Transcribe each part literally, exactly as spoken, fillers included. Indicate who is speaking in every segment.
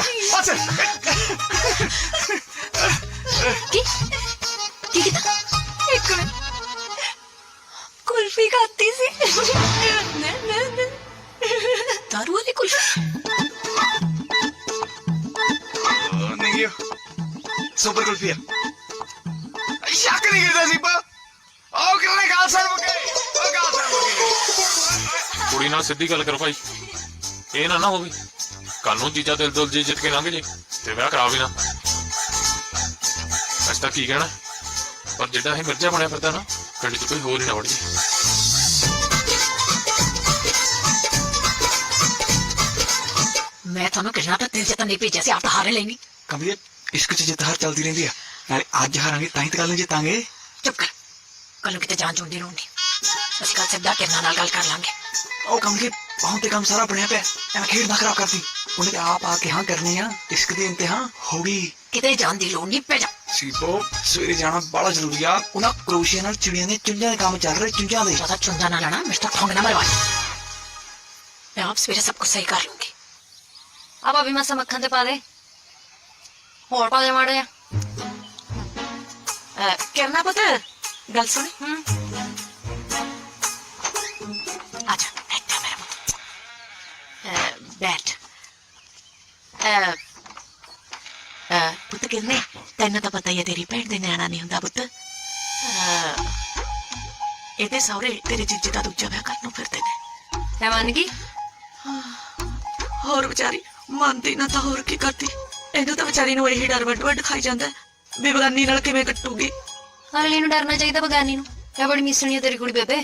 Speaker 1: बस
Speaker 2: की की कितना एक मिनट कुल्फी खाती सी न न न दारू वाली कुल्फी
Speaker 1: नहीं है सुपर कुल्फी है शक नहीं करता सी पा आओ करने गाल सर मुके ओ गाल सर मुके
Speaker 3: कुड़ी नाल सिद्धी गल करो भाई ये ना ना होवे कल नूं जीजा दिल दुल जी जित के लंघ जे ते विआह करा भी ना अस तां की कहना पर जिद्दां असीं मिर्जा बनिया फिरदा ना पिंड च कोई होर ही ना वड़ जे
Speaker 2: मैं थानू कितना तो दिल च नहीं भेजा सी आप तो हारे लेंगी
Speaker 1: कमलिए इश्क च जित हार चलती रहंदी है नाले अज हारांगे तां ही ते कल नूं जितांगे
Speaker 2: चुप कर कल किते जान चुंदी रहूंगी ਅਸੀਂ ਕੱਲ ਸਿੱਧਾ ਕਿਰਨਾਂ ਨਾਲ ਗੱਲ ਕਰ ਲਾਂਗੇ
Speaker 1: ਉਹ ਕਮਲਿਏ ਹੁਣ ਤੇ ਕੰਮ ਸਾਰਾ ਬਣਿਆ ਪਿਆ ਐਵੇਂ ਖੇਡ ਨਾ ਖਰਾਬ ਕਰਦੀ ਉਹਨੇ ਤੇ ਆਪ ਆ ਕੇ ਹਾਂ ਕਰਨੀ ਆ ਇਸ਼ਕ ਦੀ ਇੰਤਹਾ ਹੋ ਗਈ
Speaker 2: ਕਿਤੇ ਜਾਣ ਦੀ ਲੋੜ ਨਹੀਂ ਪੈ ਜਾ
Speaker 1: ਸੀਪੋ ਸਵੇਰੇ ਜਾਣਾ ਬੜਾ ਜ਼ਰੂਰੀ ਆ ਉਹਨਾਂ ਕਰੋਸ਼ੀਆ ਨਾਲ ਚਿੜੀਆਂ ਦੇ ਚੁੰਝਾਂ ਦੇ ਕੰਮ ਚੱਲ ਰਹੇ ਚੁੰਝਾਂ ਦੇ
Speaker 2: ज्यादा चुंजा ना लाना मिस्टर ठोंग ना मरवा मैं आप सवेरे सब कुछ सही कर लूंगी
Speaker 4: अब अभी मसा मक्खन ते पा दे होर पा दे माड़े
Speaker 2: करना पता गल सुन आजा बैठ जा मेरा पुत्र बैठ पुत किन्ने तेन तो पता ही है तेरी भैन दे न्याणा नहीं हुंदा पुत ਇਹਦੇ ਸਹੁਰੇ ਤੇਰੇ ਜੀਜੇ ਦਾ ਦੂਜਾ ਵਿਆਹ ਕਰਨ ਨੂੰ ਫਿਰਦੇ ਨੇ
Speaker 4: मैं मान गई
Speaker 2: ਹੋਰ ਵਿਚਾਰੀ ਮੰਨਦੀ ਨਾ ਤਾਂ ਹੋਰ ਕੀ ਕਰਦੀ ਇਹਨੂੰ ਤਾਂ ਵਿਚਾਰੀ ਨੂੰ ਇਹੀ ਡਰ ਵੱਡ ਵੱਡ ਖਾਈ ਜਾਂਦਾ ਵੀ ਬਗਾਨੀ ਨਾਲ ਕਿਵੇਂ ਕੱਟੂਗੀ
Speaker 4: अगली नूं डरना चाहिए बगानी नूं क्या बड़ी मिसनी है तेरी कुड़ी बेबे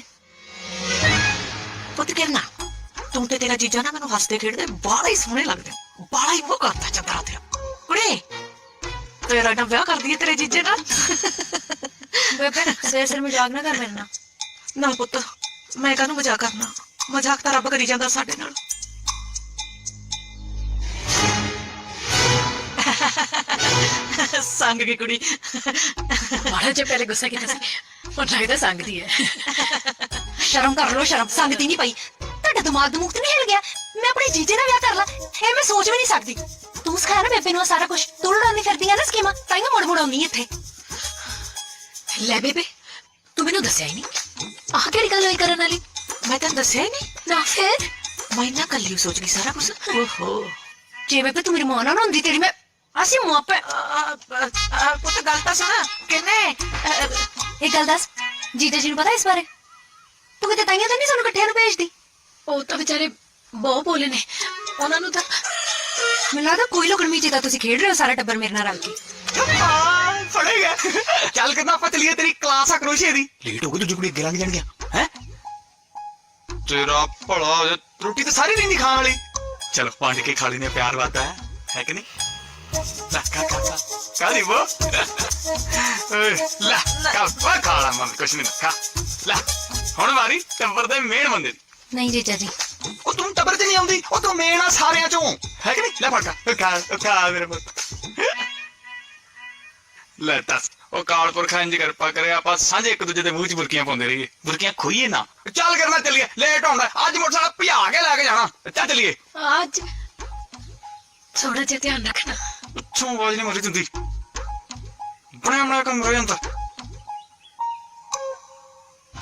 Speaker 2: ਪੁੱਤ ਕਿਰਨਾ ਤੂੰ ਤੇ ਤੇਰਾ ਜੀਜਾ ਨਾ ਮੈਨੂੰ ਹੱਸਦੇ ਖੇਡਦੇ ਬਾਹਲਾ ਹੀ ਸੋਹਣੇ ਲੱਗਦੇ ਬਾਹਲਾ ਹੀ ਉਹ ਕਰਦਾ ਚੰਦਰਾ ਤੇਰਾ ਕੁੜੇ ਤੇਰਾ ਨਾ ਵਿਆਹ ਕਰਦੀ ਹੈ ਤੇਰੇ ਜੀਜੇ ਨਾਲ
Speaker 4: बेबे सिर सिर मजाक ना कर मेरे नाल
Speaker 2: ਨਾ ਪੁੱਤ ਮੈਂ ਕਾਹਨੂੰ ਮਜ਼ਾਕ ਕਰਨਾ ਮਜ਼ਾਕ ਤਾਂ ਰੱਬ ਕਰੀ ਜਾਂਦਾ ਸਾਡੇ ਨਾਲ ਸੰਗ की कुड़ी
Speaker 4: माड़ा जे पहले गुस्सा किया सी और लगदा संगदी है शर्म कर लो शर्म संगदी नहीं पई ਤੁਹਾਡਾ ਦਿਮਾਗ ਦਮੂਗ ਤੇ ਨਹੀਂ ਹਿਲ ਗਿਆ ਮੈਂ ਆਪਣੇ ਜੀਜੇ ਨਾਲ ਵਿਆਹ ਕਰ ਲਾਂ ਇਹ ਮੈਂ ਸੋਚ ਵੀ ਨਹੀਂ ਸਕਦੀ ਤੂੰ ਸਿਖਾਇਆ ਨਾ ਬੇਬੇ ਨੂੰ ਸਾਰਾ ਕੁਝ ਤੂੰ ਲੜਾਉਂਦੀ ਫਿਰਦੀ ਆ ਨਾ ਸਕੀਮਾਂ ਤਾਂ ਹੀ ਮੁੜ ਮੁੜ ਆਉਂਦੀ ਇੱਥੇ ਲੈ ਬੇਬੇ ਤੂੰ ਮੈਨੂੰ ਦੱਸਿਆ ਹੀ ਨਹੀਂ ਆਹ ਕਿਹੜੀ ਗੱਲ ਹੋਈ ਕਰਨ ਵਾਲੀ
Speaker 2: ਮੈਂ ਤੈਨੂੰ ਦੱਸਿਆ ਹੀ ਨਹੀਂ
Speaker 4: ਨਾ ਫਿਰ
Speaker 2: ਮੈਂ ਨਾ ਕੱਲੀ ਸੋਚ ਗਈ ਸਾਰਾ ਕੁਝ ਓਹੋ
Speaker 4: ਜੇ ਬੇਬੇ ਤੂੰ ਮੇਰੀ ਮਾਂ ਨਾਲ ਹੁੰਦੀ ਤੇਰੀ ਮੈਂ ਅਸੀਂ ਮੁਆਪੇ
Speaker 2: ਪੁੱਤ ਗੱਲ ਤਾਂ ਸੁਣ ਕਿੰਨੇ
Speaker 4: एक गल दस जीजा जी पता इस बारे तू किते ताइयां तो नहीं सानू इकट्ठे नु भेजदी
Speaker 2: ਉਹ ਤਾਂ ਵਿਚਾਰੇ ਬਹੁਤ ਬੋਲੇ ਨੇ ਉਹਨਾਂ ਨੂੰ ਤਾਂ
Speaker 4: ਮੈਨੂੰ ਲੱਗਦਾ ਕੋਈ ਲੋਕਣ ਮੀਚੇ ਤਾਂ ਤੁਸੀਂ ਖੇਡ ਰਹੇ ਹੋ ਸਾਰਾ ਟੱਬਰ ਮੇਰੇ ਨਾਲ ਰਲ ਕੇ
Speaker 1: ਫੜੇ ਗਿਆ ਚੱਲ ਕਿੰਨਾ ਆਪਾਂ ਚਲੀਏ ਤੇਰੀ ਕਲਾਸ ਆ ਕਰੋਸ਼ੀਏ ਦੀ ਲੇਟ ਹੋ ਗਈ ਦੂਜੀ ਕੁੜੀ ਅੱਗੇ ਲੰਘ ਜਾਣਗੀਆਂ ਹੈ ਤੇਰਾ ਭਲਾ ਰੋਟੀ ਤਾਂ ਸਾਰੀ ਰਹਿੰਦੀ ਖਾਣ ਵਾਲੀ ਚਲ ਵੰਡ ਕੇ ਖਾ ਲੈਨੇ ਪਿਆਰ ਵਾਦਾ ਹੈ ਹੈ ਕਿ ਨਹੀਂ ਲਾ ਕਾ ਕਾ ਕਾ ਕਾਦੀ ਬੋ ਲਾ ਕਾ ਪਾ ਖਾਲਾ ਮੰਮੀ ਕੁਛ ਨਹੀਂ ਖਾ ਲਾ ਹੁਣ ਵਾਰੀ ਟੱਬਰ ਦੇ ਮੇਨ ਬੰਦੇ ਦੀ
Speaker 4: नहीं जीजा जी
Speaker 1: ਉਹ ਤੂੰ ਟੱਬਰ 'ਚ ਨਹੀਂ ਆਉਂਦੀ ਉਹ ਤੂੰ ਮੇਨ ਆ ਸਾਰਿਆਂ ਚੋਂ ਹੈ ਕਿ ਨਹੀਂ ਲੈ ਫੜ ਕਾ ਖਾ ਖਾ ਮੇਰੇ ਪੁੱਤ ਲੈ ਦੱਸ ਉਹ ਕਾਲਪੁਰਖ ਇੰਜ ਕਿਰਪਾ ਕਰੇ ਆਪਾਂ ਸਾਂਝੇ ਇੱਕ ਦੂਜੇ ਦੇ ਮੂੰਹ 'ਚ ਬੁਰਕੀਆਂ ਪਾਉਂਦੇ ਰਹੀਏ ਬੁਰਕੀਆਂ ਖੋਈਏ ਨਾ ਚੱਲ ਕਰਨਾ ਚੱਲੀਏ ਲੇਟ ਹੋਣਾ ਅੱਜ ਮੋਟਰਸਾਈਕਲ ਭਜਾ ਕੇ ਲੈ ਕੇ ਜਾਣਾ ਚੱਲ ਚੱਲੀਏ
Speaker 4: आज थोड़ा जिहा ध्यान रखना
Speaker 1: ਪਿੱਛੋਂ ਆਵਾਜ਼ ਨਹੀਂ ਮਾਰੀ ਦਿੰਦੀ ਬਣਿਆ ਬਣਾਇਆ ਕੰਮ ਰਹਿ ਜਾਂਦਾ